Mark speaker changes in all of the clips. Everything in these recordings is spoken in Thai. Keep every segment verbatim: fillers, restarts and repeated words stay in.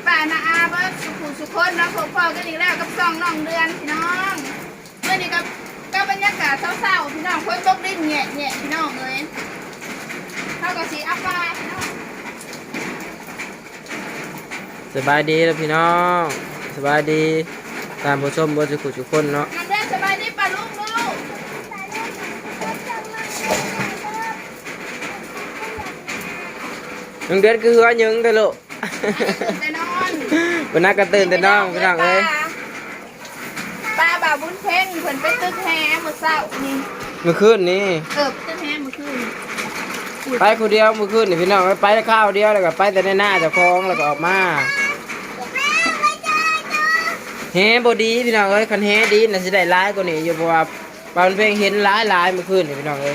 Speaker 1: ป่านาอาเบิร์ดสุขุสุขคนเราพบพ่อกันอีกแล้วกับซองน้องเดือนพี่น้องเมื่อนี้กับก็บรรยากาศเศร้าๆพี่น้องคนตกดินแง่แง่พี่น้องเลยเท่ากับสีอัปปาพี่น้อง
Speaker 2: สบายดีแล้วพี่น้องสบายดีตามผู้ชมบนสุขุสุขคนเนาะ
Speaker 1: น้องเดือนสบายดีป่ะลูกลูก
Speaker 2: น้องเดือนคือหัวยึงแต่ลูก
Speaker 1: แต่นอน
Speaker 2: วันนั้นก็ตื่นแต่น้องพี่น้องเอ้ย
Speaker 1: ป้าบ่าวบุญเพ่งเพิ่นไปตึกแฮเมื่อเช้านี่
Speaker 2: เมื่อคืนนี้
Speaker 1: เออตึกแฮเมื่อคืน
Speaker 2: ไปคนเดียวเมื่อคืนนี่พี่น้องไปแต่ข้าวเดียวแล้วก็ไปแต่ในหน้าเจ้าของแล้วก็ออกมาแฮบดีพี่น้องเอ้ยคันแฮดีน่ะสิได้ร้ายกว่านี้อยู่เพราะว่าปานเพลงเห็นร้ายร้ายเมื่อคืนนี่พี่น้องเอ้ย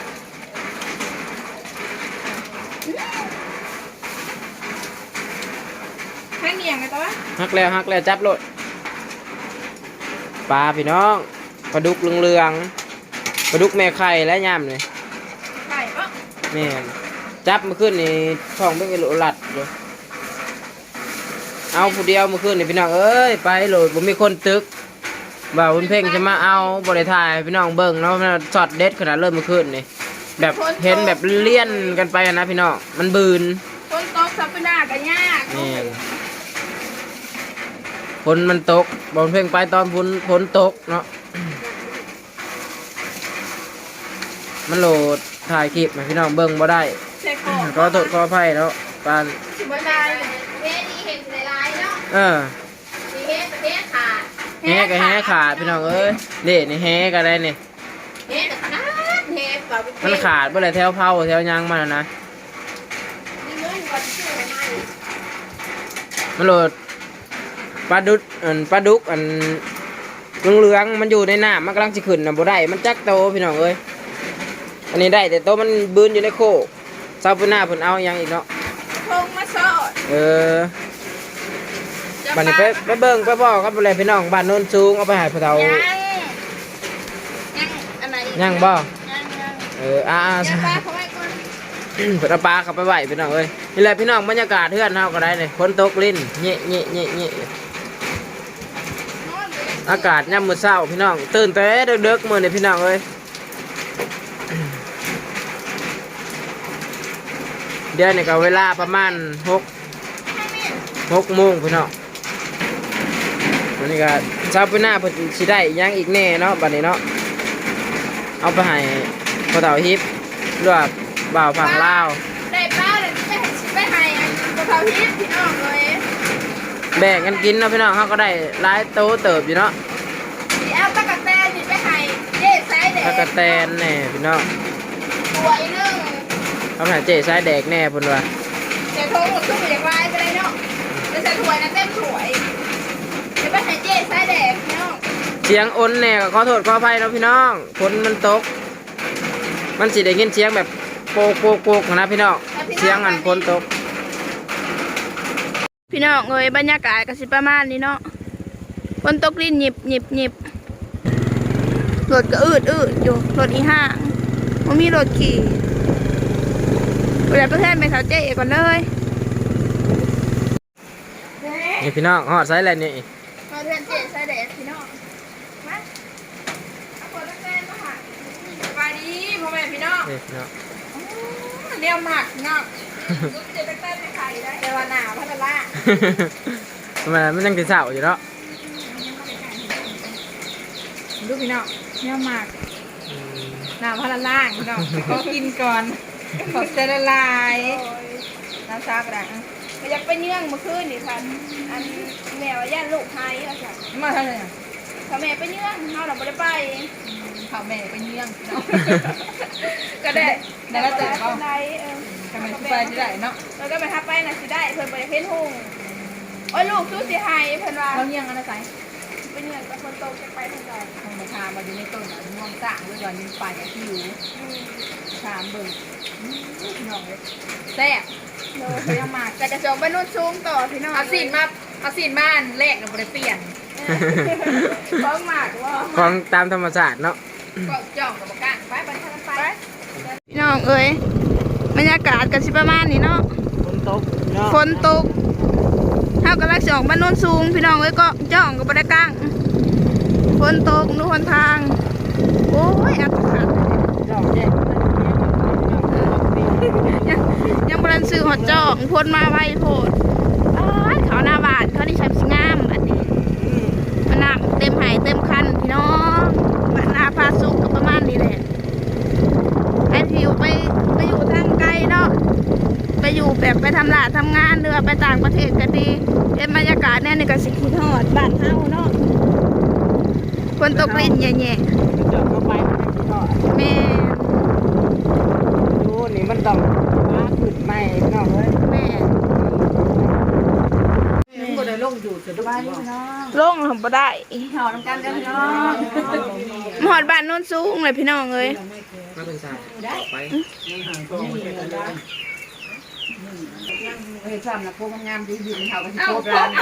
Speaker 1: ให้เงียงไงตัว
Speaker 2: ฮักแล้วฮักแล้วจับรถปลาพี่น้องปลาดุกเหลืองๆปลาดุกแม่ไข่และย่ำเลย
Speaker 1: ไข่ปะ
Speaker 2: แม่จับเมื่อคืนนี่ท้องเป็นกิโลหลัดเลยเอาผู้เดียวเมื่อคืนนี่พี่น้องเอ้ยไปโหลดผมมีคนตึกบ่าวคุณเพ่งจะมาเอาบริทายพี่น้องเบิ้งเนาะช็อตเด็ดขนาดเริ่มเมื่อคืนนี่แบบเห็นแบบเลี่ยนกันไปนะพี่น้องมันบืน
Speaker 1: คนตกซับไปหน้ากันยาก
Speaker 2: ฝนมันตกบอลเพ่งไปตอนฝนฝนตกเนาะมันโหลดถ่ายคลิปมาพี่น้องเบิ้งบ่ได้ก็ตดก็ไพ่แล้วปาน
Speaker 1: บ่ได้เฮ็ดดีเห็นในไลน์เนาะ
Speaker 2: เออ
Speaker 1: เฮ็ดเฮ็ดขาด
Speaker 2: แฮก็แฮขาดพี่น้องเอ้ยนี่นี่แฮก็ได้นี่
Speaker 1: เฮ็ดขาดเฮ็ดแบบ
Speaker 2: มันขาดเมื่อไรแถวเผาแถวยางมันนะมันโหลดปลาดุกอันปลาดุกอันเหลืองๆมันอยู่ในน้ำมันกำลังจะขึ้นนะบ่ได้มันจักโตพี่น้องเอ้ยอันนี้ได้แต่โตมันบืนอยู่ในโคเศร้าปุ่นหน้าปุ่นเอายังอีกเนาะ
Speaker 1: พงมาสอด
Speaker 2: เออบ้านนี้ไปไปเบิ่งไปบอกครับอะไรพี่น้องบ้านโน้นสูงเอาไปหาพระเทา
Speaker 1: ยังยังอะไร
Speaker 2: ยังบ่
Speaker 1: ยังยัง
Speaker 2: เอออ่า
Speaker 1: ยังปลาเขาไว้ก่อน
Speaker 2: เปิดปลาเขาไปไหวพี่น้องเอ้ยนี่แหละพี่น้องบรรยากาศเทือนเฮาก็ได้เลยฝนตกลิ้นเงี้ยเงี้ยเงี้ยเงี้ยอากาศย่ำมืดเศร้าพี่น้องตื่นแต่เด็กๆมือเนี่ยพี่น้องเอ้ยเดี๋ยวนี่ก็เวลาประมาณหกหกโมงพี่น้องวันนี้ก็เช้าไปหน้าเพิ่นสิได้ยังอีกแน่เนาะบัดนี้เนาะเอาไปให้พ่อเฒ่าฮิปหรือว่าบ่าวฝั่งลาว
Speaker 1: ได้ป้าเลยไปไปให้พ่อเฒ่าฮิปพี่น้องเลย
Speaker 2: แบ่งกันกินเนาะพี่น้องเขาก็ได้หลายโตเติบอยู่เนาะ
Speaker 1: เอาตะกะแตนนี่ไปให้เจ๊สายแดก
Speaker 2: ตะกะแตนแน่พี่น้อง
Speaker 1: สวยนึง
Speaker 2: เขาหาเจ๊สายแดกแน่พุ่นว่า
Speaker 1: เจ๊โทงหมดทุกอย่างไรไปเลยเนาะจะใส่ถ้วยนะเต็มถ้วยจะไปให้เจ๊สายแดกพี่น้อง
Speaker 2: เสียงอ้นแน่ก็ขอโทษขออภัยเนาะพี่น้องฝนมันตกมันสิได้ยินเสียงแบบโปกโปกโปกนะพี่น้องเสียงอันฝนตก
Speaker 1: พี่น้องเอ้ยบรรยากาศก็สิประมาณนี้เนาะฝนตกลิ้นหยิบหยิบหยิบรถก็อืดอืดอยู่รถอีห้างมันมีรถขี่เวลาประเทศไปเขาเจ๊ก่อนเลย
Speaker 2: นี่พี่น้องหอดไซส์อะไรนี่
Speaker 1: มาเรียนเจ๊ไซส์แดดพี่น้องมาเอาคนละแก้มาค่ะสบายดีพ่อแม่พี่น้องเลี้ยวมากเนาะลูกเจ๊ตั้งแต่ไม่ใครได้แต่ว่าหนาวพัดละ
Speaker 2: ทำไมมันยังติดเสาอยู่เนาะ
Speaker 1: ดูพี่น้องเลี้ยวมากหนาวพัดละพี่น้องขอกินก่อนขอเจริญลายน้ำซากระมันอยากไปเนื่องเมื่อคืนนี่ค่ะอันแมวย่านลูกไทยอ่ะจ้ะ
Speaker 3: มาทำไม
Speaker 1: เขาแม่ไปเนื่องเขาเราไม่ได้ไป
Speaker 3: เขาแม่ไปเนื่อง
Speaker 1: ก็ได้
Speaker 3: ได้แล้วเจอเขา
Speaker 1: ได้เออ
Speaker 3: ทำไมไปที่ไหนเนาะ
Speaker 1: เราก็ไปทับไปนะสิได้เพิ่นไปเพ้นหุ่งโอ้ยลูกสู้สิหายเพิ่นว่า
Speaker 3: เขาเนื่องอะไรใส่
Speaker 1: ไปเนื่องกับคนโตจะไปทางใด
Speaker 3: ทางมาทามาอยู่ในต้นม่วงสร้างด้วยวันนี้ไปกับที่อยู่ถามเบิ่งพี่น้องเลยแซ่บ
Speaker 1: เลยเขายังมากแต่จะจองไปนู่นซูมต่อพี่น้อง
Speaker 3: เอาสินมาเอาสินบ้านแรกเราไปเปลี่ยน
Speaker 1: ฟ้องมากว่า
Speaker 2: ฟ้องตามธรรมชาติเนาะ
Speaker 1: ก็จ่องกับบอกกันไปไปทางไปพี่น้องเอ้ยบรรยากาศกันสิประมาณนี้เนาะ
Speaker 2: ฝนตก
Speaker 1: ฝนตก ถ้าเขากำลังจะออกบ้านโน้นสูงพี่น้องเอ้ยก็จ้องกับปลากลางฝนตกนู่นทางโอ้ยอัดขัด
Speaker 2: ดอกแจ๊ก
Speaker 1: ยังยังบรันซื้อหอดจอกพ่นมาไวโพดอ้ายเขาหน้าบาทเขาที่ใช้สิงามอันนี้มันน้ำเต็มไหเต็มคันพี่น้องบ้านนาพาสุกกับประมาณนี้แหละไอ้ที่อยู่ไปไปอยู่ทางไกลเนาะไปอยู่แบบไปทำลาทำงานหรือว่าไปต่างประเทศก็ดีเป็นบรรยากาศแน่ในกสิคิดฮอดบ้านเฮาเนาะคนตกลิ้นแย่
Speaker 2: จอดเข้าไปมันไม่ทอด
Speaker 1: ๆแม่
Speaker 2: ดูนี่มันต้องมาขึ้นใหม่พี่น้องเอ้ย
Speaker 1: แม่
Speaker 3: มันก็ได้ลงอยู่จะดูพี่น้อง
Speaker 1: ลงทำบ่ได้
Speaker 3: หอน้ำกันกันพี่น้อง
Speaker 1: หอดบ้านโน้นสูงเลยพี่น้องเอ้ย
Speaker 2: มาเป็นสายไป
Speaker 3: เฮ้ยซ้ำนะพวกงามดียืนเขากันที่โคตรร้าน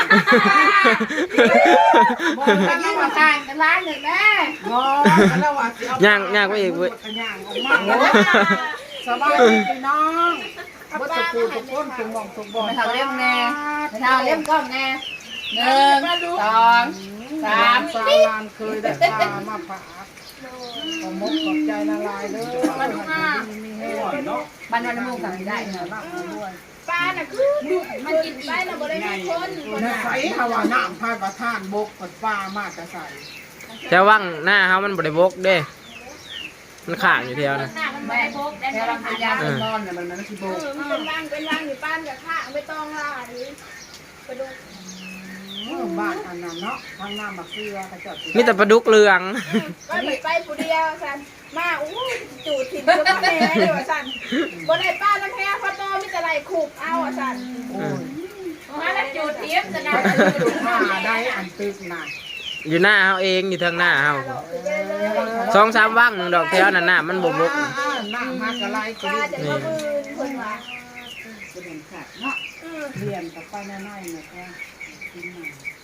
Speaker 3: มองกันยิ่งมาต่างกันร้านเลยแม่มองแล้วว่า
Speaker 2: ย่างย่างไปอีกเว้ย
Speaker 3: ย่างออกมาสบายดีพี่น้องวัตถุทุกคนทุกมองทุกบอลไม่เท่าเล่มแน่ไม่เท่าเล่มก้อนแน่หนึ่งสองสามสามลานเคยได้ปลามาฝากขอมกขอบใจละลายเลยบ้านบ้านน้ำมูกสั่งได้เหรอบ้างด้วย
Speaker 1: ปลาน่ะคือมันกินไปน่ะบ่ได้ให้คนคน
Speaker 4: ใน
Speaker 1: น่ะ
Speaker 4: ไฟฮาวาน้ำพายประทานบกปัดป้ามากจะใส่
Speaker 2: จะว่างหน้าเขามันบริบกเด้ มันข่างอยู่เทียวนะ
Speaker 1: หน้ามันบ่ได้พกได้
Speaker 3: แค่
Speaker 1: บ่
Speaker 3: เรา
Speaker 1: ได้
Speaker 3: พยายามนอนเนี่ยมันมันไม่ใช่โบ
Speaker 1: เออมันเป็นร่างเป็นร่างอยู่ป้านกับข้างไม่ต้องล่าหรือไปดู
Speaker 4: บ้านอันนั้นเนาะทางน้ำมาเกลือกระจด
Speaker 2: มีแต่ปลาดุกเรือง
Speaker 1: ก็ไปไปผู้เดียวสันมาอู้จูดถิ่นก็แม่เลยว่าสันบ่ได้ป้าน้ำแพ้พอโตมีแต่ไรขุบเอาอ่ะสัน
Speaker 4: โอ้ย
Speaker 1: มาแล้วจูดเทียมจะได้
Speaker 4: ผ้าได้อันตึกหนัก
Speaker 2: อยู่หน้าเขาเองอยู่ทางหน้าเขาสองสามว่างหนึ่งดอกเทียวนั่นน่ะมันบวบก
Speaker 4: น้ำมากระไรก
Speaker 1: ป้าจะมาบืนคนว่า
Speaker 3: จะเป็นขาดเนาะ
Speaker 4: เรียนกับป้าแน่ๆนะคะกินมา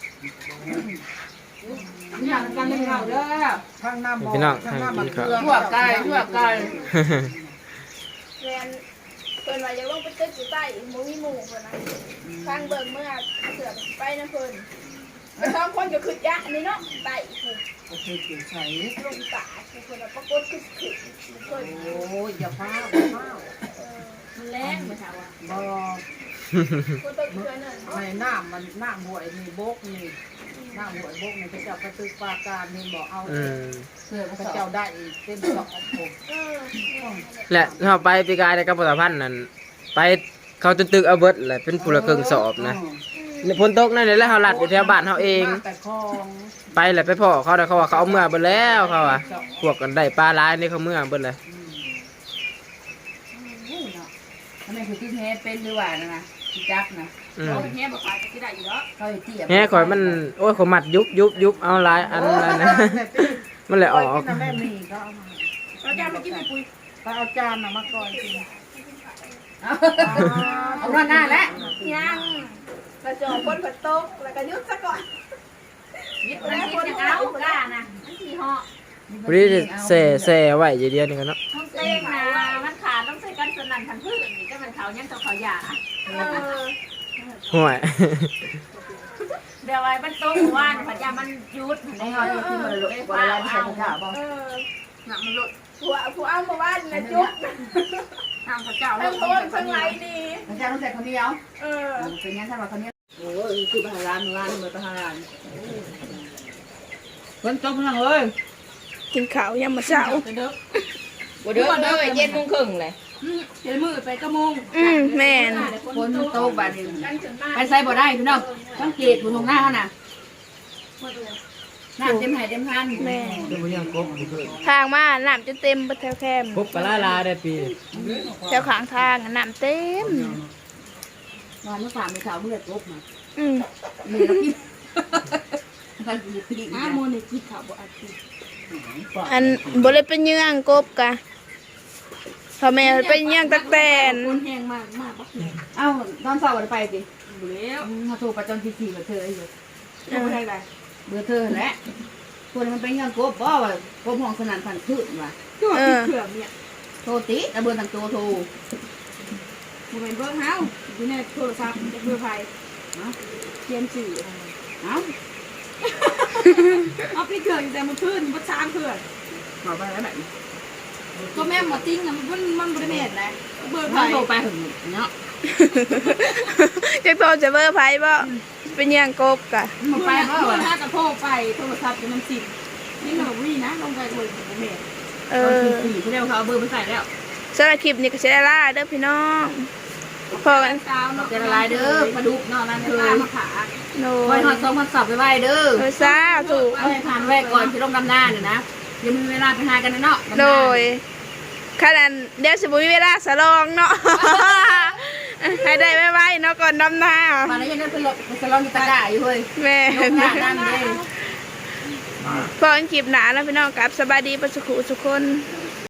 Speaker 3: อยากกันเล่นเขาเด้อ
Speaker 4: ทางน้ำบ่
Speaker 2: พี่น้อง
Speaker 4: ทาง
Speaker 2: ทาง
Speaker 4: น้ำมา
Speaker 2: กิน
Speaker 4: เก
Speaker 2: ข้าว
Speaker 4: ลือ
Speaker 3: ทั่วไกลทั่วไกล
Speaker 1: แมนเพิ่นว่าจะลงไปตึกอยู่ใต้บ่มีหมู่เพิ่นนะทางเบิ่งเมื่อเสือไปนะเพิ่นไปสองคนก็ขึ้นยะนี่เนาะใต้ผู้
Speaker 4: โอเคเกี่ยวใส่
Speaker 1: ลงตาผู้เพิ่นปรากฏขึ้นขึ้นเพิ่น
Speaker 4: โอ้ยอย่าพ้าอย่าพ้า
Speaker 1: มันแรงบ่เท่าอ่ะ
Speaker 4: บ่
Speaker 1: คนตึกเพื่อนนั่น
Speaker 4: ในน้ำมันน้ำหวยนี่บกนี่น้ำหวยบกนี่พระเจ้ากระตึกปาการนี่บอกเอา
Speaker 2: อืม
Speaker 3: เสือ
Speaker 4: พ
Speaker 3: ก
Speaker 4: ระ
Speaker 3: ระเจ้า
Speaker 4: เจ้าได้อีกเป็นสองผม
Speaker 1: เออ
Speaker 2: และเขาไปปีกายในกระปุกพันธ์นั่นไปเขาจนตึกเอาเบิดแหละเป็นผู้ละเครื่องสอบนะฝนตกนั่นแหละเขาลัดอยู่แถวบ้านเขาเอง
Speaker 4: แต่คลอง
Speaker 2: ไปแหละไปพ่อเขาแต่เขาว่าเขาเอาเมื่อเบิดแล้วเขาอ่ะพวกกันได้ปลาร้ายนี่เขาเมื่อเบิดเลย
Speaker 3: ทำไมคือที่แท้เป็นหรือว่านะนะที่จักนะ
Speaker 2: อืม
Speaker 1: เอาแค่บ่ขายก็สิได้อยู่เนาะ
Speaker 3: เขาเตี้ย
Speaker 2: แฮ่ข่อยมันโอ้ยขอยมัดยุบยุบยุบเอาหลายอันแล้วนะ มันเลยออก
Speaker 4: แม่มีก็เอามา
Speaker 1: เราจะมากินไปปุย
Speaker 4: ก็เอาจานน่ะมาก่อนกิน
Speaker 3: เอาหน้าแล้ว
Speaker 1: ยังกระจอกคนผัดตกแล้วก็ยุบซะก่อน
Speaker 3: ยิบนะยิบยังเอากล้านะ
Speaker 1: มันสิเหาะ
Speaker 2: พอดีแส่แส่ไว้อย่างเดียวนี่กันเนาะ
Speaker 5: ต้องเต้งนะมันขาดต้องใส่กันสนั่นทันพืชนี่ก็มันเขายังต้องเขาหยา
Speaker 1: เออ
Speaker 2: ห่วย
Speaker 5: เดี๋ยวไว้มันโตว่านผัดยามันยุด
Speaker 3: ไอ้เขาที่ที่มันหลุดกว่าเราใช้ข้าวบ่
Speaker 1: เออ
Speaker 5: หนักมันหลุด
Speaker 1: ผัวผัวเอามาบ้านนะจุ๊บ
Speaker 5: ทางพระเจ้า
Speaker 1: ทั้งโทนทั้งไหลดี
Speaker 3: มันจะต้องใส่ข้าวเหนียว
Speaker 1: เออ
Speaker 3: เป็นงั้นถ้าเราข้าวเหนียวโอ้ยคือไปหาร้านร้านมาไปหาร้านคนจบนั่งเลย
Speaker 1: กินข้าวยามมื้อเช้า
Speaker 3: วันเด้อวันเด้อเย็นโมงครึ่งเลย
Speaker 5: เดี๋ยวมือไปกระมง
Speaker 1: อืมแม่น
Speaker 3: คนโตบาดนี้
Speaker 1: กันถึงมา
Speaker 3: ไปใส่บ่ได้พี่น้องต้องเกตบนตรงหน้าน่ะหน้าเต็มหายเต็มพัน
Speaker 1: แม่
Speaker 2: เดี๋ยวมันยังกบอยู่เลย
Speaker 1: ทางมาน้ำจะเต็มแถวแคม
Speaker 2: กบกะลาลาได้ปี
Speaker 1: แถวข้างทางน้ำเต็ม
Speaker 3: นอนเมื่อสามเมื่อเช้าเมื่อจบมา
Speaker 1: อืม
Speaker 3: มีแล้วกินใครกินกิน
Speaker 5: อ้าโมนี่กินข้าวบ่อาทิตย์
Speaker 1: อันบ่ได้เป็นเยื่องกบกะพ่อแม่เป็นเยื่องตะแตน
Speaker 5: คนแห้งมากมากบักเลย
Speaker 3: เอ้าตอนเช้าวันไปสิ
Speaker 5: บุแล้ว
Speaker 3: เขาโทรประจำที่สี่เบอร์เธอไอ้เบอร์
Speaker 5: จะไปไหน
Speaker 3: เบอร์เธอแหละคนมันเป็นยังกบบ่ว่ากบห้องสนั่นพันขึ้นว่ะ
Speaker 5: ตัวที่เขื่อนเนี่ย
Speaker 3: โทรติแต่เบอร์ทางตัวโทร
Speaker 5: บุเป็นเบิ้งเฮาอยู่ในโทรศัพท์จะเบอร์ไฟ
Speaker 1: เขียนสื่อ
Speaker 3: เอ้า
Speaker 1: เอาพี่เกิดแต่มันขึ้นมันช้างเกิด
Speaker 3: บอกไปแล้วแบบ
Speaker 1: ก็แม่หมอติ้งนะมันมันบริเวณนะเบอร์ไฟ
Speaker 3: ถ้าโทรไปถึงเนาะ
Speaker 6: จะโทรจะเบอร์ไพ่บ่เป็นยังกบกะ
Speaker 3: มันไปเพราะ
Speaker 1: เบอ
Speaker 3: ว่า
Speaker 1: ร์ห้ากับโทรไปโทรศัพท์จะมันสิบนี่หนูวิ่งนะลงไปบนบริเวณ
Speaker 6: เอ
Speaker 3: เอ
Speaker 6: อ
Speaker 3: อสี่เขาเรียกเขาเอาเบอร์ไปใส่แล้ว
Speaker 6: สำหรับคลิปนี้ก็จะได้ล่าเด้อพี่น้องพอกัน
Speaker 1: สาวเนาะ
Speaker 3: จะละลายเด้อปลาดุกเนาะนั่น
Speaker 1: เค
Speaker 3: คื
Speaker 1: ย
Speaker 3: อ
Speaker 1: มาขา
Speaker 6: โน
Speaker 3: ไว้หอดสองพันสับไปไว้เด้อ
Speaker 6: เออซาถูก
Speaker 3: เอาให้ทานไว้ก่อนที่ลงดำหน้าเนี่ยนะยังมีเวลาไปหากันเนาะ
Speaker 6: โดยขนาดเดี๋ยวสิบุมีเวลาสลองเนาะ ให้ได้ไว้ๆเนาะก่อนดำนา
Speaker 3: มาแล้วยังได้ไปลบไปสลองอยู่ตะกร้าอยู่เฮ้ย
Speaker 6: แม่
Speaker 3: ลงหน้าด้านเด้
Speaker 6: พอกันคลิปหนาแล้วพี่น้องกลับสบายดีประสุขุสุกคน
Speaker 3: ส